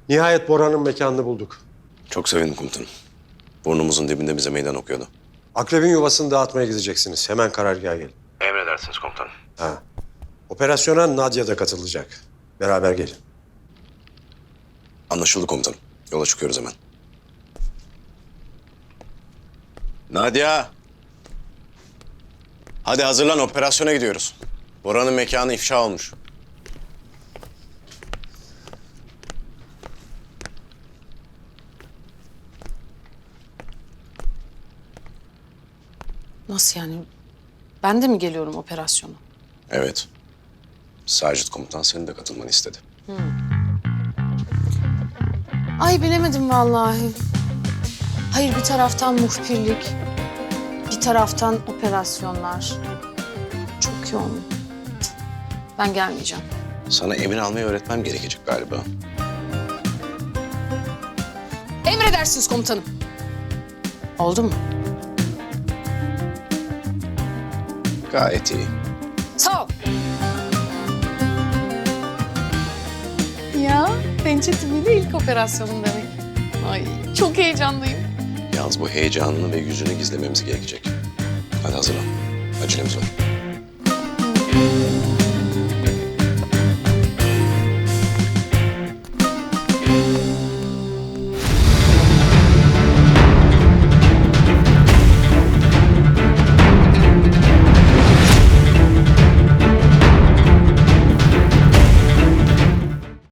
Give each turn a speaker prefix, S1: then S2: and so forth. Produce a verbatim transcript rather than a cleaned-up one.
S1: Nihayet Bora'nın mekanını bulduk.
S2: Çok sevindim komutanım. Burnumuzun dibinde bize meydan okuyordu.
S1: Akrebin yuvasını dağıtmaya gideceksiniz. Hemen karargaha gelin.
S2: Emredersiniz komutanım.
S1: Ha. Operasyona Nadia da katılacak. Beraber gelin.
S2: Anlaşıldı komutanım. Yola çıkıyoruz hemen. Nadia! Hadi hazırlan, operasyona gidiyoruz. Bora'nın mekanı ifşa olmuş.
S3: Nasıl yani? Ben de mi geliyorum operasyona?
S2: Evet. Sacit komutan senin de katılmanı istedi.
S3: Ay bilemedim vallahi. Hayır, bir taraftan muhbirlik, bir taraftan operasyonlar. Çok yoğun. Cık, ben gelmeyeceğim.
S2: Sana emir almayı öğretmem gerekecek galiba.
S3: Emredersiniz komutanım. Oldu mu?
S2: Gayet iyi.
S3: Sağ ol. Ya, pençe timiyle ilk operasyonum demek. Ay, çok heyecanlıyım.
S2: Yalnız bu heyecanını ve yüzünü gizlememiz gerekecek. Hadi hazırlan. Acelemiz var.